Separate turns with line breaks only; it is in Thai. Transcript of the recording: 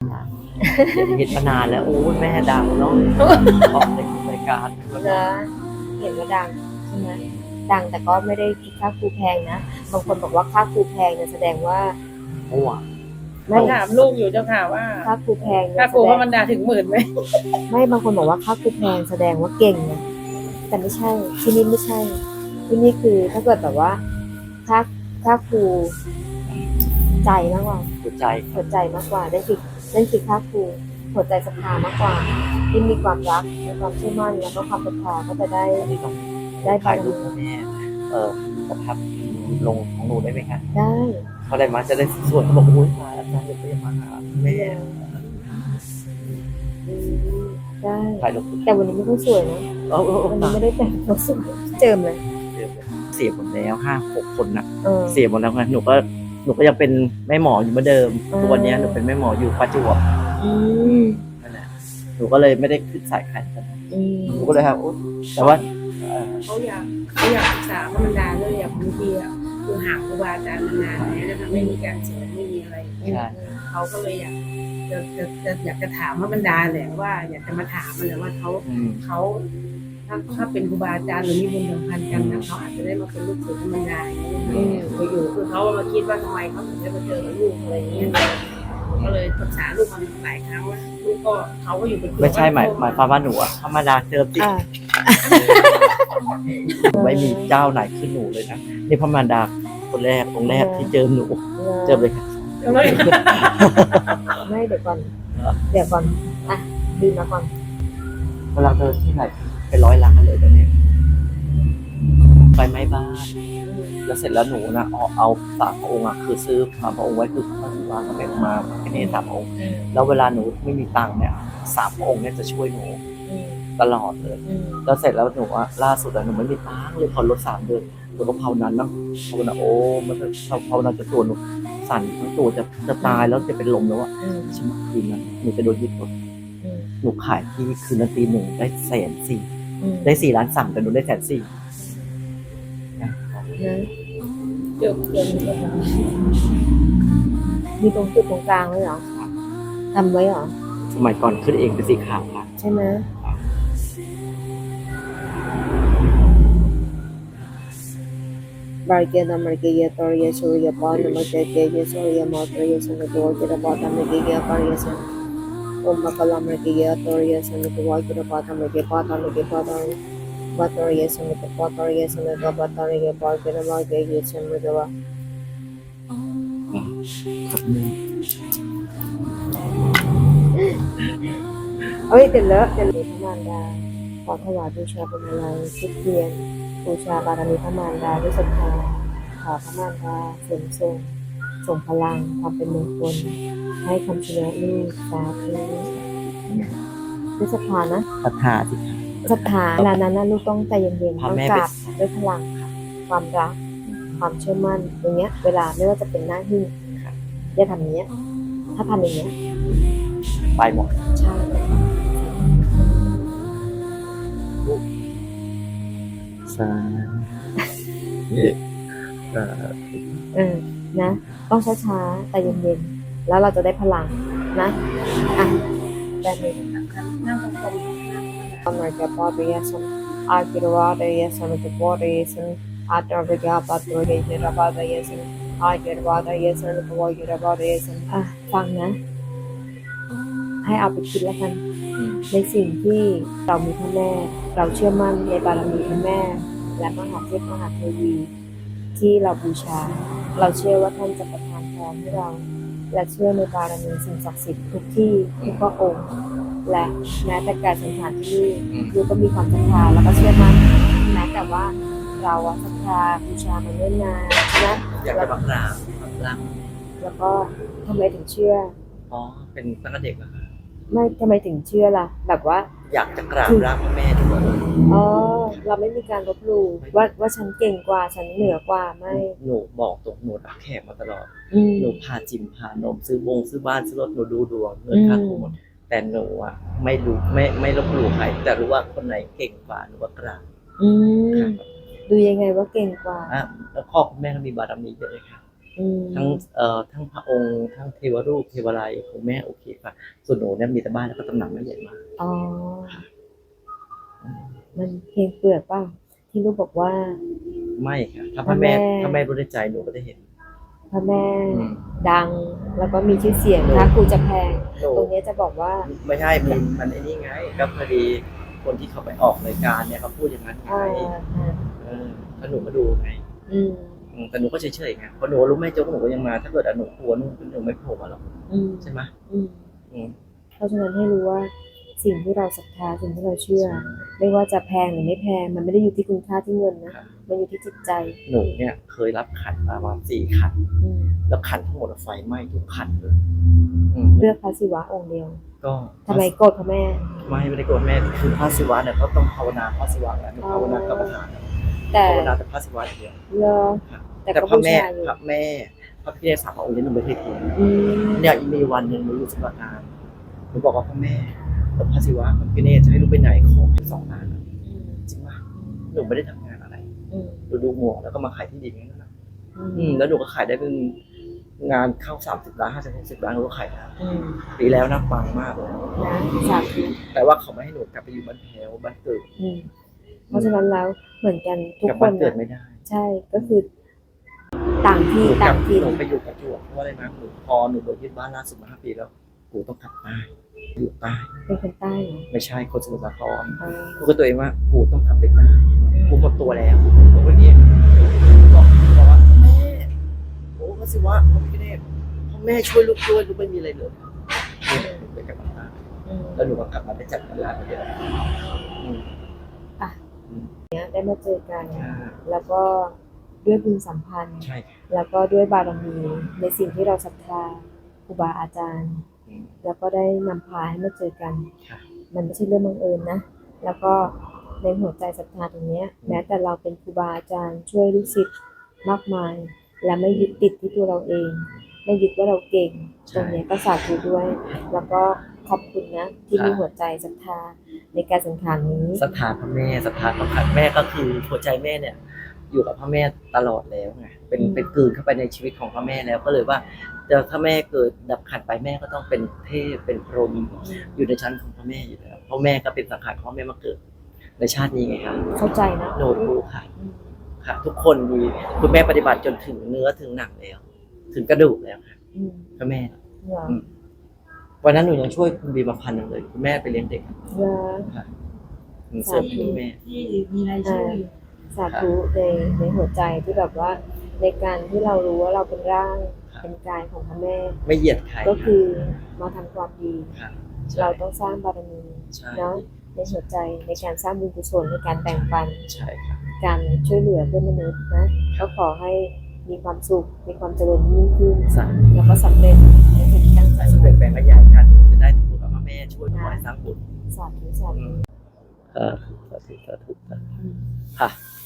นะเห็นมานานแล้วโอ้แม่ดังเนาะออกในรายการ
นะเห็นว่าดังใช่ไหมดังแต่ก็ไม่ได้คิดค่าครูแพงนะบางคนบอกว่าค่าครูแพงเนี่ยแสดงว่า
มั่ว
ไม่
ถามลูกอยู่เจ้าค่ะว่า
ค่าครูแพง
ค่า
เนี่ย
ครู
แสด
ว่าง มันดาถึง10,000ไหม
ไม่บางคนบอกว่าค่าครูแพงแสดงว่าเก่งนะแต่ไม่ใช่ที่นี่ไม่ใช่ ที่นี่คือถ้าเกิดแบบว่าค่าครูใจมากกว่า
หัวใจ
หัวใจมากกว่านั่นคือค่าครูหัวใจศรัทธามากกว่าที่มีความรักมีความเชื่อมั่นแล้วก็ความศรัทธาก็จะได้
ที่ต้อง
ได้
ถ่า
บาย ร
รู
มี
ปให้แม่ประทับลงของหนูได้ไหมคะ
ได้
เขาได้มาจะได้สวยเขาบอกโอ้ยมาอาจารย์จะไปมาหาแม่
ได้
ถ่ายรูป
แต่วันนี้ไม่ค่อยสวยนะ วันนี้ไม่ได้แต่งตัวสวยเจิมเลย
เสียหมดแล้ว5-6 คนนะ
เออ
เสียหมดแล้วไงหนูก็ยังเป็นแม่หมออยู่เหมือนเดิม
อืม
ทุกวันนี้หนูเป็นแม่หมออยู่ประจวบ
อืม
นั่นแหละหนูก็เลยไม่ได้ขึ้นสายแข่งกัน
อืม
หนูก็เลยครับแต่ว่า
เขาอยากศึกษาว่ามันดาเลยอยากบางทีอ่ะคือห่างครูบาอาจารย์มานานแล้วนะคะไม่มีการสอนไม่มีอะไร
ใช่
เขาก็เลยอยากอยากจะถามว่ามันดาแหละว่า อยากจะมาถามมันแหละว่าเขา
อืม
ถ้าเป็นครูบาอาจารย์หรือมีบุญสัมพันธ์กันนะเขาอาจจะได้มาเป็นลูกศิษย์มันดาอยู่คือเขามาคิดว่าทำไมเขาถึงได้มาเจอกับลูกอะไรอย่างเงี้ยก็เลยปรึกษาลูกมันหลายครั้งว่าลูกก็เขาก็อยู่เป็น
ไม่ใช่หมายความว่าหนูอะธรรมดาเจอติ
อ่า
ไม่มีเจ้าไหนขึ้นหนูเลยนะนี่พระมารดาคนแรกองค์แรกที่เจอหนูเจอเลยค่ะ
เลย
ไม่เดี๋ยวก่อนอ่ะดีมาก่อน
เวลาเดินที่ไหนเป็น100 ล้านเลยตอนนี้ไฟไหม้บ้านแล้วเสร็จแล้วหนูนะเอา3 องค์อะคือซื้อ3 องค์ไว้คือพระวางกับแม่มาแค่นี้3 องค์แล้วเวลาหนูไม่มีตังค์เนี่ย3 องค์เนี่ยจะช่วยหนูตลอดเลย แล้วเสร็จแล้วหนูอะล่าสุดอะหนูไม่มีตังค์เลยผ่อนรถ3 เดือนหนูก็ภาวนาเนาะภาวนาโอ้มันจะภาวนาจะตัวหนูสั่นทั้งตัวจะตายแล้วจะเป็นลมแล้วอะชิมคืนนั้นหนูจะโดนยึดรถหนูขายที่คืนนั้นตี 1ได้140,000ได้4 ล้านสั่งแต่หนูได้140,000นะ
นะ
เดี๋ยว
มีตรงจุดตรงกลางไว้เหรอทำไว้เหรอ
สมัยก่อนขึ้นเองเป็นสีขาวค่ะ
ใช่ไหมบาร์เกนอเมริกาตอริยาชูริยาปอนอเมริกาเกยชูริยามอตอริยาสันตัวกิรบอตอเมริกาปาริยาสันโอมบัคลอเมริกาตอริยาสันตัวกิรบอตอเมริกาปอตอเมริกาปอตอบัตอริยาสันตัวปอตอริยาสันตัวบัตอริยาปอกิรบอตเกยสันตัว
ครับนึง
เอ้ยเดี๋ยวเลอะพระมารดาขอถวายบูชาเป็นอะไรทุกเทียนบูชาบารมีพระมารดาด้วยศรัทธาขอพระมารดาเสริมส่งพลังความเป็นมงคลให้คำชนะลูกสาธุด้วยศรัทธานะ
ศรัทธาสิคะ
ศรัทธาเวลานั้นนะลูกต้องใจเย็นๆ
พา
ต้อง
แม่
ก
ไป
ราบด้วยพลังความรักความเชื่อมั่นอย่างเงี้ย เวลาไม่ว่าจะเป็นหน้าที่อย่าทำอย่างเงี้ย ถ้าทำอย่างเงี้ย
ไปหมด
ใช่
สาธุ
นะต้องช้าๆแต่เย็นๆแล้วเราจะได้พลังนะอ่ะแบบนี้
นั่งตรง
America Patriasan Akirvadayasan Kapodayasan Atarvika Patriasan Akirvadayasan Kavagirvadayasan อ่ะฟังนะ ให้เอาไปคิดแล้วกัน ในสิ่งที่เรามีพระแม่ เราเชื่อมั่นในบารมีพระแม่ และมหาเทพมหาเทวีที่เราบูชา เราเชื่อว่าท่านจะประทานพรให้เรา และเชื่อในบารมีสิ่งศักดิ์สิทธิ์ทุกที่ทุกพระองค์ และแม้แต่การสังขารที่นี่ยูก็มีความศรัทธาแล้วก็เชื่อมั่นแม้แต่ว่าเราศรัทธาบูชามันเนิ่นนานนะ
อยากจะมากราบรัก
แล้วก็ทำไมถึงเชื่อ
อ๋อเป็นตั้งแต่เด็กเหรอคะ
ไม่ทำไมถึงเชื่อล่ะ แบบว่า
อยากจะกราบร่างพระแม่ทุกวัน
อ๋อเราไม่มีการลบหลู่ว่าฉันเก่งกว่าฉันเหนือกว่าไม่
หนูบอกตรงหนูรับแขกมาตลอด
อืม
หนูพาจิมพานมซื้อบ้านซื้อรถหนูดูดวงเงินค่าครูหมดแต่หนูอ่ะไม่รู้ไม่ลบหลู่ใครแต่รู้ว่าคนไหนเก่งกว่าหนูว่ากราบ
อืมดูยังไงว่าเก่งกว่า
แล้วพ่อคุณแม่ก็มีบารมีเยอะเลยค่ะ
อืม
ทั้งพระองค์ทั้งเทวรูปเทวไลยของแม่โอเคค่ะส่วนหนูเนี่ยมีแต่บ้านแล้วก็ตำหนักไม่ใหญ่มาก
อ๋อ มันเพียงเปลือกเปล่าที่ลูกบอกว่า
ไม่ค่ะถ้า
พ
พ
ระ
ระ
แม่
แม่ถ้าแม่รู้ในใจหนูก็ได้เห็น
พระแม่
อืม
ดังแล้วก็มีชื่อเสียง
โน่
ถ้าครูจะแพง
หนู
ตรงเนี้ยจะบอกว่า
ไม่ใช่มันไอ้นี่ไงก็พอดีคนที่เขาไปออกรายการเนี่ยเขาพูดอย่างนั้นไง ถ้าหนูมาดูไง
อืม
แต่หนูก็เฉยๆไงเพราะหนูรู้แม่โจ๊กหนูก็ยังมาถ้าเกิดหนูกลัวหนูไม่โผล่มาหรอก
อืม
ใช่ไหม
อืม
อืม
เพราะฉะนั้นให้รู้ว่าสิ่งที่เราศรัทธาสิ่งที่เราเชื่อ ไม่ว่าจะแพงหรือไม่แพงมันไม่ได้อยู่ที่คุณค่าที่เงินนะมันอยู่ที่จิตใจ
หนูเนี่ยเคยรับขันมาประมาณ4 ขัน
อืม
แล้วขันทั้งหมดไฟไหม้ทุกขันเลยอืม
เลือกพระศิวะองค์เดียว
ก็
ทำไมโกรธพระแม่
ไม่ได้โกรธแม่คือพระศิวะเนี่ยเขาต้องภาวนาพระศิวะแหละไม่ภาวนากรรมฐาน
แต่
ภาวนาแต่พระศิวะอย่างเดียว
เลอแต่
แต่
ก็
พระ
บู
แม่
ชาอยู่
พระแม่พระพิฆเนศ3 พระองค์นี้หนูไม่เคยทิ้ง
อืม
เนี่ยมีวันหนึ่งหนูอยู่สมุทรปราการหนูบอกว่าพระแม่กับพระศิวะพระพิฆเนศจะให้ลูกไปไหนขอให้2 ล้านอะจริงป่ะหนูไม่ได้ทำงานอะไร
อืม
หนูดูหมวกแล้วก็มาขายที่ดินนั่นแหละ
อืม
แล้วหนูก็ขายได้เป็นงานเข้า30 ล้าน50 60 ล้านหนูก็ขายได้
อืม
ปีแล้วนะปังมากเลย
นะสาธุ
แต่ว่าเขาไม่ให้หนูกลับไปอยู่บ้านแถวบ้านเกิด
อืมเพราะฉะนั้นแล้วเหมือนกันทุก
กลับ
ค
บ้าน
น
เกิด
นะ
ไม่ได้
ใช่ก็คือ ต่างที่
หนูกลั
ต่า
บ
งถิ่น
หนูไปอยู่ประจวบเพราะว่าอะไรนะหนูพอหนูโดนยึดบ้านล่าสุดมา5 ปีแล้วกูต้องกลับใต้อยู่ใต้
เป็นคนใต้เหรอ
ไม่ใช่คนสมุทรสาคร
อ่า
พูดกับตัวเองว่ากูต้องกลับไปใต้กูหมดตัวแล้วผมก็เงี้ยบอกว่าแม่โอ้พระศิวะพระพิฆเนศพ่อแม่ช่วยลูกด้วยลูกไม่มีอะไรเลยเนี่ยหนูไปกลับมาใต้
อืม
แล้วหนูก็กลับมาได้จัดงานร้านเดียวอืม
เนี่ยได้มาเจอกัน
อ่า
แล้วก็ด้วยบุญสัมพันธ์
ใช่
แล้วก็ด้วยบารมีในสิ่งที่เราศรัทธาครูบาอาจารย์
อืม
แล้วก็ได้นำพาให้มาเจอกัน
ค่ะ
มันไม่ใช่เรื่องบังเอิญนะ แล้วก็ในหัวใจศรัทธาตรงเนี้ย แม้แต่เราเป็นครูบาอาจารย์ช่วยลูกศิษย์มากมาย และไม่ยึดติดที่ตัวเราเอง ไม่ยึดว่าเราเก่ง ตรงเนี้ยก็สาธุด้วย แล้วก็ขอบคุณนะ ที่มีหัวใจศรัทธาในการสังขารนี้
ศรัทธาพระแม่ศรัทธาพระขันแม่ก็คือหัวใจแม่เนี่ย อยู่กับพระแม่ตลอดแล้วไงเป็นกลืนเข้าไปในชีวิตของพระแม่แล้วก็เลยว่าแต่ถ้าแม่เกิดดับขันไปแม่ก็ต้องเป็นเทพเป็นพรหมอยู่ในชั้นของพระแม่อยู่แล้วเพราะแม่ก็เป็นสังขารของพระแม่มาเกิดในชาตินี้ไงครับ
เข้าใจนะ
โนรู้ค่ะค่ะ ทุกคนมีคุณแม่ปฏิบัติจนถึงเนื้อถึงหนังแล้ว ถึงกระดูกแล้วค่ะ
อืม
พระแม่
เหรอ
วันนั้นหนูยังช่วยคุณบีมา1,000เลยคุณแม่ไปเลี้ยงเด็ก
เหรอ
ค่ะเสริมให้คุณแม่
ที่มีรายชื่ออยู่
สาธุในหัวใจที่แบบว่า ในการที่เรารู้ว่าเราเป็นร่าง
ครับ
เป็นกายของพระแม่
ไม่เหยียดใคร
ก็คือมาทำความดี
ค่ะ
เราต้องสร้างบารมี
ใช่
เนาะในหัวใจในการสร้างบุญกุศลในการแบ่งปัน
ใช่ค่ะ
การช่วยเหลือเพื่อนมนุษย์นะก็ขอให้มีความสุขมีความเจริญยิ่งขึ้น
สา
แล้วก็สำเร็จในสิ่งที่ตั้งใจ
สำเร็จแบ่งขยายกันจะได้ถูกกับพระแม่ช่วยถวายสร้างบุญ
สาธุสาธุ
สาธุสาธุค่ะ